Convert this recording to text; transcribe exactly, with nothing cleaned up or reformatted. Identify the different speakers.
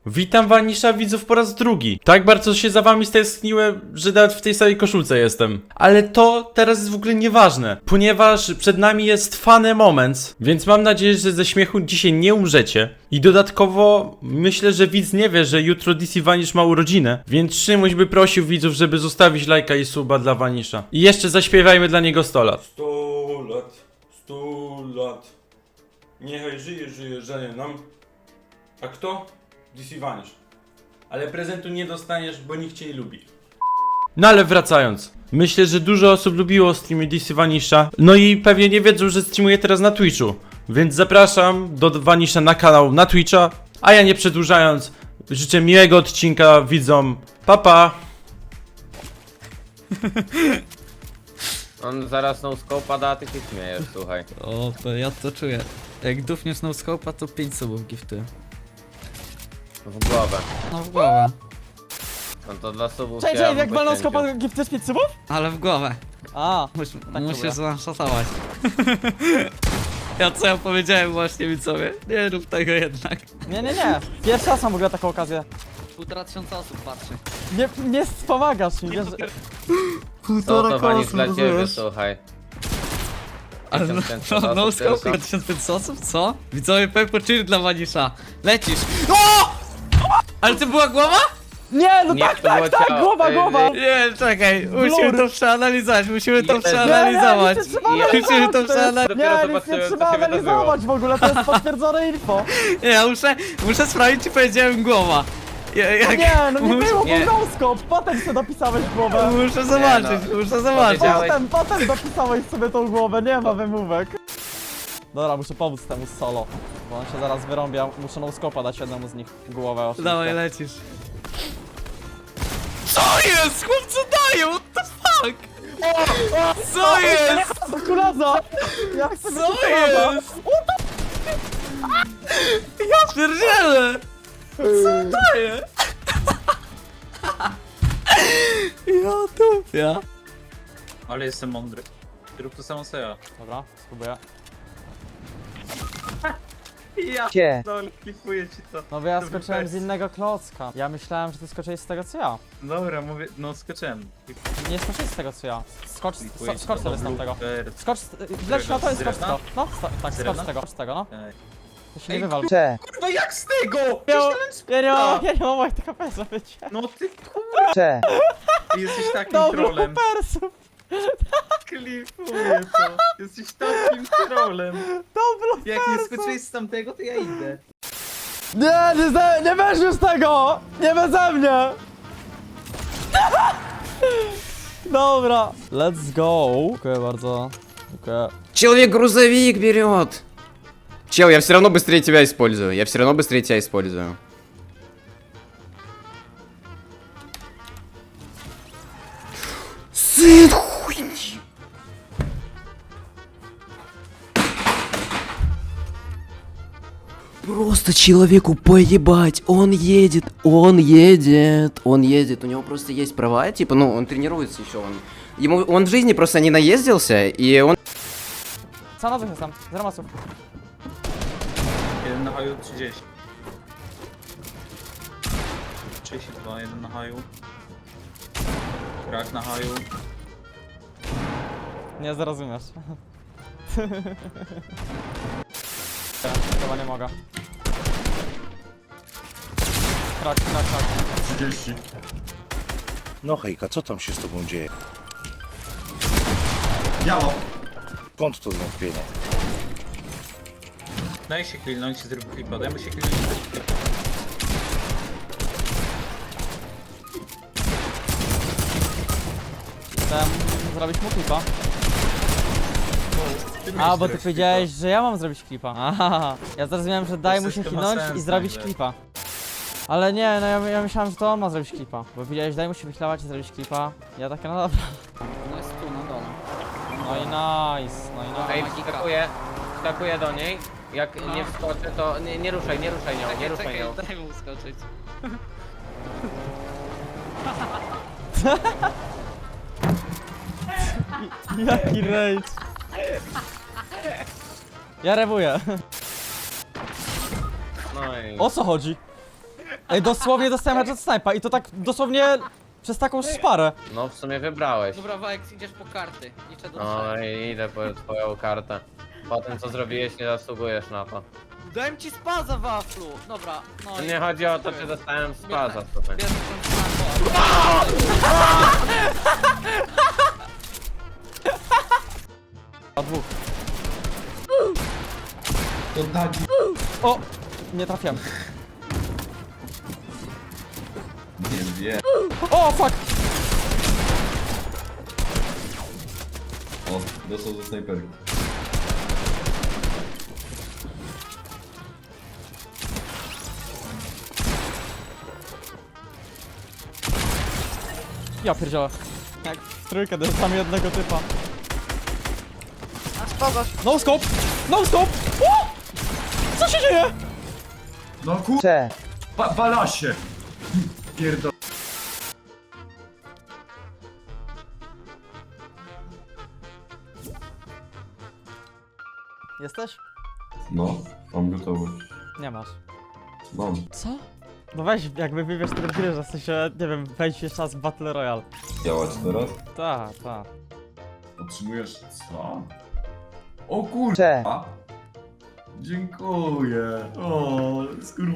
Speaker 1: Witam Vanisha widzów po raz drugi. Tak bardzo się za wami stęskniłem, że nawet w tej samej koszulce jestem. Ale to teraz jest w ogóle nieważne, ponieważ przed nami jest funny moment, więc mam nadzieję, że ze śmiechu dzisiaj nie umrzecie. I dodatkowo myślę, że widz nie wie, że jutro D C Vanish ma urodziny, więc Szymuś by prosił widzów, żeby zostawić lajka i suba dla Vanisha. I jeszcze zaśpiewajmy dla niego sto lat. sto lat, sto lat. Niechaj żyje, żyje, żyje nam. A kto? D C Vanish. Ale prezentu nie dostaniesz, bo nikt cię nie lubi. No ale wracając. Myślę, że dużo osób lubiło streamy D C Vanisha. No i pewnie nie wiedzą, że streamuję teraz na Twitchu. Więc zapraszam do Vanisha na kanał na Twitcha. A ja nie przedłużając, życzę miłego odcinka widzom. Pa pa!
Speaker 2: On zaraz no scope'a da, a ty się śmiejesz, słuchaj.
Speaker 3: O, to ja to czuję. Jak dufniesz no scope'a, to pięć subów gifty.
Speaker 2: W głowę.
Speaker 3: No w głowę.
Speaker 2: No to dla subów
Speaker 4: Cześć,
Speaker 2: się
Speaker 4: cześć, jak walną
Speaker 2: poświęcił.
Speaker 4: skopa giftujesz pięć subów?
Speaker 3: Ale w głowę.
Speaker 4: A,
Speaker 3: Mus,
Speaker 4: tak
Speaker 3: musisz
Speaker 4: próbuję.
Speaker 3: zanszotować. Ja co ja powiedziałem właśnie mi sobie? Nie rób tego jednak.
Speaker 4: nie, nie, nie. Pierwszy raz mam w ogóle taką okazję.
Speaker 3: Półtora tysiąca osób patrzy.
Speaker 4: Nie, nie wspomagasz mi, wiesz, że...
Speaker 2: Co to Vanish dla ciebie, słuchaj.
Speaker 3: Ale no,
Speaker 2: tysiąc
Speaker 3: no, no
Speaker 2: osób
Speaker 3: scope
Speaker 2: tylko.
Speaker 3: tysiąc pięćset osób? Co? Widzowie Peppo cheer dla Vanisha. Lecisz. O! Ale to była głowa?
Speaker 4: Nie, no
Speaker 2: Nie,
Speaker 4: tak,
Speaker 2: to było
Speaker 4: tak, tak,
Speaker 2: ciało.
Speaker 4: głowa,
Speaker 2: Ej,
Speaker 4: głowa!
Speaker 2: ej.
Speaker 3: Nie, czekaj. Musimy
Speaker 4: Blur.
Speaker 3: to przeanalizować. Musimy to
Speaker 2: Jezu.
Speaker 3: przeanalizować.
Speaker 4: Nie, nie, nie, trzeba
Speaker 3: Musimy to
Speaker 4: analizować,
Speaker 3: przeanalizować.
Speaker 2: Dopiero
Speaker 4: Nie, nic nie
Speaker 2: zobaczyłem,
Speaker 4: trzeba
Speaker 2: co się
Speaker 4: analizować w ogóle, to jest potwierdzone info.
Speaker 3: Nie, ja muszę, muszę sprawdzić, czy powiedziałem głowa. Ja, jak,
Speaker 4: Nie, no nie
Speaker 3: mus-
Speaker 4: było,
Speaker 2: nie.
Speaker 4: był no-scope, potem sobie dopisałeś głowę.
Speaker 3: Muszę zobaczyć,
Speaker 2: no.
Speaker 3: muszę zobaczyć.
Speaker 2: Powiedziałeś-
Speaker 4: Potem, potem dopisałeś sobie tą głowę, nie ma wymówek. Dobra, muszę pomóc temu solo, bo on się zaraz wyrąbia, muszę no-scope'a dać jednemu z nich głowę oczywiście.
Speaker 3: Dawaj, lecisz. Co jest? Chłopcy dają, what the fuck? Co jest?
Speaker 4: Do kulaza! Ja chcę
Speaker 3: Co
Speaker 4: być kulaza.
Speaker 3: jest? Ja pierdzielę! Co daje? Ja tupia.
Speaker 5: Ale jestem mądry. Rób to samo co ja.
Speaker 4: Dobra, spróbuję.
Speaker 5: Ja
Speaker 4: Gdzie?
Speaker 5: no, klipuję ci to.
Speaker 4: No bo ja
Speaker 5: Dobry
Speaker 4: skoczyłem
Speaker 5: fest.
Speaker 4: z innego klocka. Ja myślałem, że ty skoczyłeś z tego co ja.
Speaker 5: Dobra, mówię, no skoczyłem.
Speaker 4: Nie skoczyłeś z tego co ja. Skocz,
Speaker 5: Klipuję
Speaker 4: so,
Speaker 5: ci
Speaker 4: skocz
Speaker 5: to,
Speaker 4: sobie z
Speaker 5: bo
Speaker 4: tamtego.
Speaker 5: blooper.
Speaker 4: Skocz, wleć na to i
Speaker 5: Z
Speaker 4: skocz z
Speaker 5: drewna?
Speaker 4: tego. No, sto, tak, skocz
Speaker 5: drewna?
Speaker 4: z tego, skocz z tego, no.
Speaker 5: Ej.
Speaker 4: To się
Speaker 5: Ej,
Speaker 4: nie wywal.
Speaker 6: Cze,
Speaker 5: Kurwa, jak z tego?
Speaker 4: Ja,
Speaker 5: Myślałem,
Speaker 4: ja nie mam,
Speaker 5: że-
Speaker 4: ja nie mam moich T K P, żeby cię.
Speaker 5: No ty kurwa,
Speaker 6: cze,
Speaker 5: ty jesteś takim
Speaker 4: Dobra,
Speaker 5: trolem.
Speaker 4: persów.
Speaker 5: Klipuję to. Jesteś takim trolem.
Speaker 4: Dobra,
Speaker 5: Jak nie skoczyłeś z tamtego, to ja idę.
Speaker 4: Nie, nie, ze, nie weź już tego! Nie beze mnie! Dobra, let's go. Dziękuję bardzo. Dziękuję.
Speaker 7: Человек-грузовик берет. Чел, я все равно быстрее тебя использую. Я все равно быстрее тебя использую. Сын хуйни. Просто человеку поебать. Он едет, он едет, он едет. У него просто есть права, типа, ну, он тренируется еще. Он, ему, он в жизни просто не наездился, и он...
Speaker 4: Co na jestem? Zero masów.
Speaker 5: Jeden na haju, trzydzieści. trzydzieści dwa, jeden na haju. Krak na haju.
Speaker 4: Nie zrozumiesz. Chyba nie mogę. Krak, krak, krak.
Speaker 5: trzydzieści.
Speaker 8: No hejka, co tam się z tobą dzieje?
Speaker 5: Biało.
Speaker 8: Skąd to zwątpienie?
Speaker 5: Daj się chwilnąć i zrób klipa, dajmy się chwilnąć i zrób klipa.
Speaker 4: Chcę zrobić mu klipa.
Speaker 5: Ty
Speaker 4: A,
Speaker 5: miałeś
Speaker 4: bo ty
Speaker 5: zrobić
Speaker 4: powiedziałeś, że ja mam zrobić klipa. Aha, ja zrozumiałem, że daj mu się
Speaker 5: system ma
Speaker 4: chwilnąć
Speaker 5: sens
Speaker 4: i zrobić
Speaker 5: nagle.
Speaker 4: klipa. Ale nie, no ja, ja myślałem, że to on ma zrobić klipa. Bo powiedziałeś, daj mu się wychlować i zrobić klipa. Ja takie, no dobra.
Speaker 3: No jest tu na dole.
Speaker 4: No i nice, no i nice.
Speaker 2: Ej, wskakuję, wskakuję do niej. Jak nie wskoczę, to nie, nie ruszaj, nie ruszaj nią, nie ruszaj nią.
Speaker 3: Daj mu skoczyć.
Speaker 4: Jaki rage. Ja rewuję.
Speaker 2: No i...
Speaker 4: O co chodzi? Ej, dosłownie dostałem headshot snipa i to tak dosłownie przez taką szparę.
Speaker 2: No w sumie wybrałeś.
Speaker 3: Dobra, Wajek, idziesz po karty. Liczę do
Speaker 2: No
Speaker 3: trzech.
Speaker 2: i idę po twoją kartę. Po tym co zrobiłeś nie zasługujesz na to.
Speaker 3: Dałem ci spaza, waflu. Dobra, no i...
Speaker 2: Nie chodzi o to, czy dostałem spaza tutaj.
Speaker 3: Bierz ten sniper.
Speaker 4: A dwóch. O! Nie trafiłem.
Speaker 6: Nie wie.
Speaker 4: O, fuck!
Speaker 6: O, dostał ze snajperki.
Speaker 4: Ja pierdzielę. Jak w trójkę dostałem jednego typa. No scope! No scope! O! Co się dzieje?
Speaker 6: No kurczę! Ba balasie! Pierdol...
Speaker 4: Jesteś?
Speaker 6: No, mam gotowość.
Speaker 4: Nie masz.
Speaker 6: Mam.
Speaker 4: Co? No weź, jakby wybierz tryb gry, że w sensie, nie wiem, wejdź jeszcze raz w Battle Royale.
Speaker 6: Działać teraz?
Speaker 4: Ta, ta.
Speaker 6: Otrzymujesz co? O kurczę! Dziękuję. O, skur...